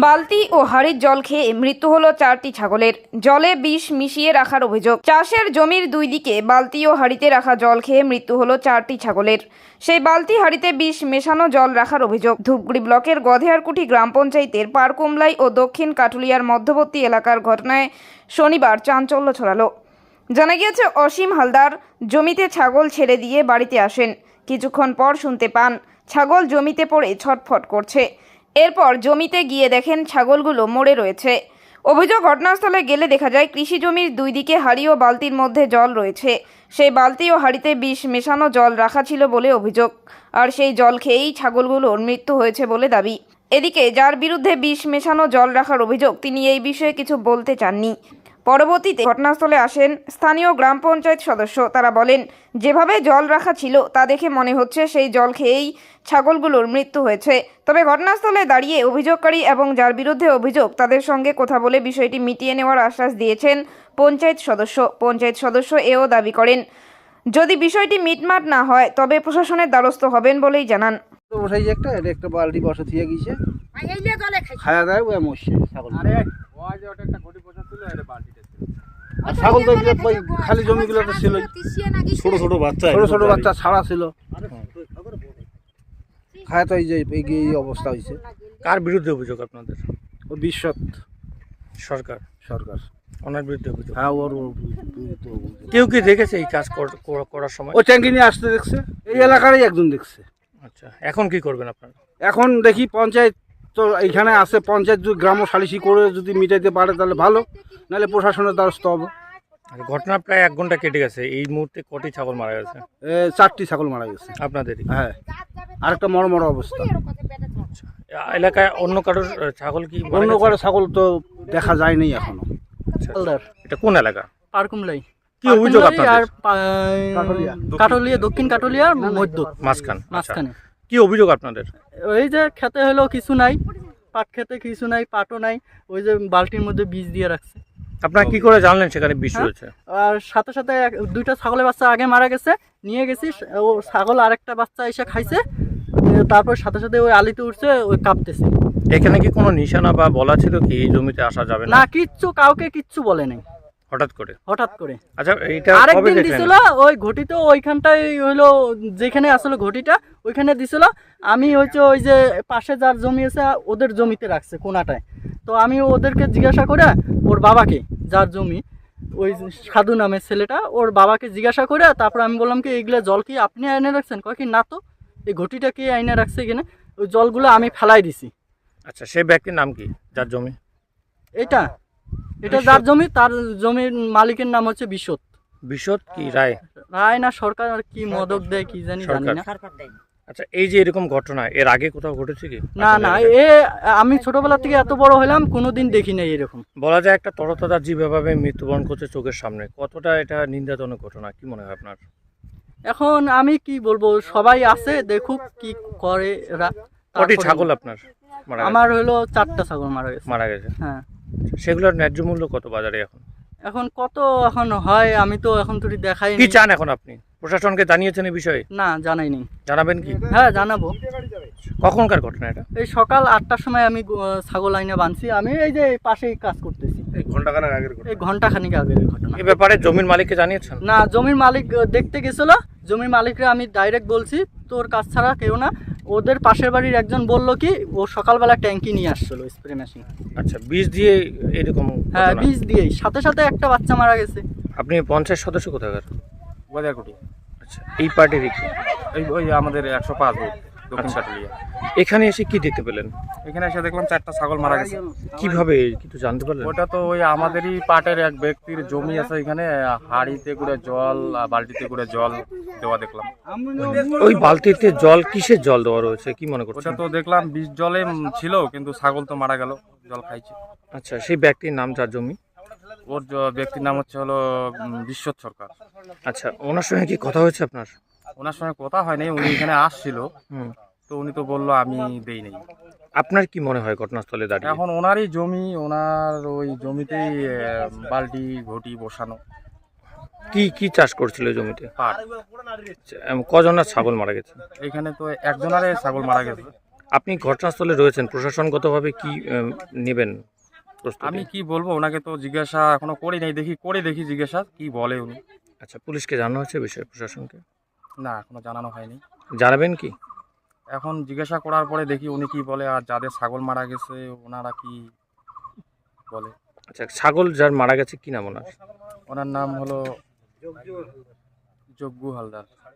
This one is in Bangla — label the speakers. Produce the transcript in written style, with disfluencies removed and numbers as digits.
Speaker 1: বালতি ও হাড়ির জল খেয়ে মৃত্যু হলো 4টি ছাগলের। জলে বিষ মিশিয়ে রাখার অভিযোগ। চাষের জমির দুই দিকে বালতি ও হাড়িতে রাখা জল খেয়ে মৃত্যু হলো 4টি ছাগলের। সেই বালতি হাড়িতে বিষ মেশানো জল রাখার অভিযোগ। ধূপগুড়ি ব্লকের গধেয়ারকুঠি গ্রাম পঞ্চায়েতের পারকুমলাই ও দক্ষিণ কাটুলিয়ার মধ্যবর্তী এলাকার ঘটনায় শনিবার চাঞ্চল্য ছড়ালো। জানা গিয়েছে, অসীম হালদার জমিতে ছাগল ছেড়ে দিয়ে বাড়িতে আসেন। কিছুক্ষণ পর শুনতে পান ছাগল জমিতে পড়ে ছটফট করছে। এরপর জমিতে গিয়ে দেখেন ছাগলগুলো মরে রয়েছে। অভিযোগ, ঘটনাস্থলে গেলে দেখা যায় কৃষি জমির দুই দিকে হাড়ি ও বালতির মধ্যে জল রয়েছে। সেই বালতি ও হাড়িতে বিষ মেশানো জল রাখা ছিল বলে অভিযোগ, আর সেই জল খেয়েই ছাগলগুলোর মৃত্যু হয়েছে বলে দাবি। এদিকে যার বিরুদ্ধে বিষ মেশানো জল রাখার অভিযোগ, তিনি এই বিষয়ে কিছু বলতে চাননি। পরবর্তীতে ঘটনাস্থলে আসেন স্থানীয় গ্রাম পঞ্চায়েত সদস্য। তারা বলেন, যেভাবে জল রাখা ছিল তা দেখে মনে হচ্ছে সেই জল খেয়েই ছাগলগুলোর মৃত্যু হয়েছে। তবে ঘটনাস্থলে দাঁড়িয়ে অভিযোগকারী এবং যার বিরুদ্ধে অভিযোগ তাদের সঙ্গে কথা বলে বিষয়টি মিটিয়ে নেওয়ার আশ্বাস দিয়েছেন পঞ্চায়েত সদস্য। পঞ্চায়েত সদস্য এও দাবি করেন, যদি বিষয়টি মিটমাট না হয় তবে প্রশাসনের দ্বারস্থ হবেন বলেই জানান।
Speaker 2: বসাই একটা একটা বালতি বসা থিয়ে গিয়েছে, খাওয়া দাওয়া ওই মরছে ছাগল। ছাগল তো ওই খালি জমিগুলো তো ছিল, ছোট ছোট বাচ্চা ছাড়া ছিল, খায় তো এই যে এই অবস্থা হয়েছে।
Speaker 3: কার বিরুদ্ধে অভিযোগ আপনাদের?
Speaker 2: ও বিশ্বত
Speaker 3: সরকার ওনার বিরুদ্ধে অভিযোগ।
Speaker 2: হ্যাঁ, ওর
Speaker 3: কেউ কি দেখেছে এই কাজ করার সময়?
Speaker 2: ও ট্যাঙ্কি নিয়ে আসতে দেখছে, এই এলাকারই একজন দেখছে।
Speaker 3: আচ্ছা, এখন কি করবেন আপনারা?
Speaker 2: এখন দেখি পঞ্চায়েত তো এইখানে আছে, পঞ্চায়েত যদি গ্রাম সালিশি করে যদি মিটাইতে পারে তাহলে ভালো, নাহলে প্রশাসনের দ্বারস্থ হবে।
Speaker 3: ঘটনা প্রায় 1 ঘন্টা কেটে গেছে, এই মুহূর্তে কটি ছাগল মারা গেছে?
Speaker 2: 4টি ছাগল মারা গেছে
Speaker 3: আপনাদেরই?
Speaker 2: হ্যাঁ, আরেকটা মর অবস্থা।
Speaker 3: আচ্ছা, এলাকায় অন্য কারোর ছাগল কি?
Speaker 2: অন্য কারো ছাগল তো দেখা যায়নি এখনো।
Speaker 3: আচ্ছা, এটা কোন এলাকা?
Speaker 4: পারকুমলাই।
Speaker 3: কি অভিযোগ আপনাদের?
Speaker 4: কাটলিয়া, দক্ষিণ কাটলিয়ার মধ্য
Speaker 3: মাঝখানে। কি অভিযোগ আপনাদের?
Speaker 4: ওই যে খেতে হলো কিছু নাই, পাট খেতে কিছু নাই, পাটও নাই, ওই যে বালতির মধ্যে বীজ দিয়ে রাখছে।
Speaker 3: আপনারা কি করে জানলেন সেখানে বিষ রয়েছে?
Speaker 4: আর সাথে সাথে 2টা ছাগলের বাচ্চা আগে মারা গেছে, নিয়ে গেছি, ও ছাগল আরেকটা বাচ্চা এসে খাইছে, তারপর সাথে সাথে ওই আলিতে উঠছে, ওই কাঁপতেছে।
Speaker 3: এখানে কি কোনো নিশানা বা বলা ছিল কি এই জমিতে আসা যাবে না?
Speaker 4: না, কাউকে কিচ্ছু বলে নাই,
Speaker 3: হঠাৎ করে। আচ্ছা, এইটা
Speaker 4: আরেকদিন দিছিল ওই ঘটিতে, ওইখানটাই হইলো যেখানে আসলে ঘটিটা ওইখানে দিছিল। আমি হচ্ছে ওই যে পাশে যার জমি আছে ওদের জমিতে রাখছে কোনাটায়। তো আমি ওদেরকে জিজ্ঞাসা করে, ওর বাবাকে, যার জমি ওই সাধু নামের ছেলেটা, ওর বাবাকে জিজ্ঞাসা করে তারপর আমি বললাম কি এইগুলা জল কি আপনি আইনে রাখছেন? কয় কি না, তো এই ঘটিটা কি আইনে রাখছে এখানে, ওই জলগুলো আমি ফেলাই দিছি।
Speaker 3: আচ্ছা, সেই ব্যক্তির নাম কি যার জমি?
Speaker 4: এটা যার জমি, তার জমির মালিকের নাম হচ্ছে
Speaker 3: বিশদ কি রায়
Speaker 4: না সরকার, আর কি মদক দেয় কি জানি না।
Speaker 3: আচ্ছা, এই যে এরকম ঘটনা এর আগে কোথাও ঘটেছে কি?
Speaker 4: না, আমি ছোটবেলা থেকে এত বড় হলাম কোনোদিন দেখি নাই এরকম।
Speaker 3: বলা যায় একটা তরতাজা জীব এভাবে মৃত্যুবরণ করছে চোখের সামনে, কতটা এটা নিন্দাজনক ঘটনা, কি মনে হয় আপনার?
Speaker 4: এখন আমি কি বলবো, সবাই আছে দেখুক কি করে এরা।
Speaker 3: কটি ছাগল আপনার মারা গেছে?
Speaker 4: আমার হলো 4টা ছাগল মারা গেছে। হ্যাঁ।
Speaker 3: সেগুলোর ন্যায্য মূল্য কত বাজারে
Speaker 4: এখন কত এখন হয় আমি তো এখন তো দেখাই।
Speaker 3: কি চান এখন আপনি? প্রশাসনকে জানিয়েছেন এই বিষয়ে?
Speaker 4: না, জানাইনি।
Speaker 3: জানাবেন কি?
Speaker 4: হ্যাঁ, জানাবো।
Speaker 3: কখনকার ঘটনা এটা?
Speaker 4: এই সকাল 8টার সময় আমি ছাগল আইনে বাঁধছি। আমি এই যে পাশেই কাজ করতেছি।
Speaker 2: এই ঘন্টাখানেক আগের ঘটনা।
Speaker 3: এই ব্যাপারে জমির মালিককে জানিয়েছেন?
Speaker 4: না, জমির মালিক দেখতে গেছিল। জমির মালিকরা আমি ডাইরেক্ট বলছি তোর কাজ ছাড়া কেউ না। ওদের পাশের বাড়ির একজন বলল কি ও সকালবেলা ট্যাঙ্কি নিয়ে আসছিল, স্প্রে মেশিন।
Speaker 3: আচ্ছা, বীজ দিয়ে এরকম?
Speaker 4: হ্যাঁ, বীজ দিয়েই সাথে সাথে একটা বাচ্চা মারা গেছে।
Speaker 3: আপনি পঞ্চায়েত সদস্য কোথাকার?
Speaker 2: গধেয়ারকুঠি।
Speaker 3: আচ্ছা, এই পার্টির
Speaker 2: ওই আমাদের 105 ভোট দক্ষিণ কাটলিয়া।
Speaker 3: এখানে এসে কি দেখতে পেলেন?
Speaker 2: এখানে এসে দেখলাম 4টা ছাগল মারা গেছে।
Speaker 3: কিভাবে কিছু জানতে পারলেন?
Speaker 2: ওটা তো ওই আমাদেরই পাটের এক ব্যক্তির জমি আছে, এখানে হাড়িতে করে জল, বালতিতে করে জল দেওয়া দেখলাম।
Speaker 3: ওই বালতিতে জল কিসের জল দেওয়া রয়েছে কি মনে করছেন?
Speaker 2: ওটা তো দেখলাম বিষ জলে ছিল, কিন্তু ছাগল তো মারা গেল, জল খাইছে।
Speaker 3: আচ্ছা, সেই ব্যক্তির নাম যার জমি?
Speaker 2: ওর ব্যক্তির নাম হচ্ছে হলো বিশ্বত সরকার।
Speaker 3: আচ্ছা, ওনার সঙ্গে কি কথা হয়েছে আপনার?
Speaker 2: ওনার সঙ্গে কথা হয়নি, উনি এখানে আসছিল, তো উনি তো বললো আমি দেই নাই।
Speaker 3: আপনার কি মনে হয় ঘটনাস্থলে দাঁড়িয়ে?
Speaker 2: এখন ওনারই জমি, ওনার ওই জমিতেই বালতি ঘটি বসানো।
Speaker 3: কি চাষ করছিল জমিতে?
Speaker 2: পাট।
Speaker 3: কজনের ছাগল মারা গেছে?
Speaker 2: এখানে তো একজনারে ছাগল মারা গেছে।
Speaker 3: আপনি ঘটনাস্থলে রয়েছেন, প্রশাসনগতভাবে কি নেবেন প্রস্তুতি?
Speaker 5: আমি কি বলবো, ওনাকে তো জিজ্ঞাসা এখনো করি নাই, দেখি জিজ্ঞাসা কি বলে উনি।
Speaker 3: আচ্ছা, পুলিশকে জানানো হয়েছে বিষয়ে, প্রশাসনকে
Speaker 5: না, এখনো জানানো হয়নি।
Speaker 3: জানাবেন কি?
Speaker 5: এখন জিজ্ঞাসা করার পরে দেখি উনি কি বলে, আর যাদের ছাগল মারা গেছে ওনারা কি বলে।
Speaker 3: আচ্ছা, ছাগল যার মারা গেছে কি নাম ওনার?
Speaker 5: ওনার নাম হলো যজ্ঞ হালদার।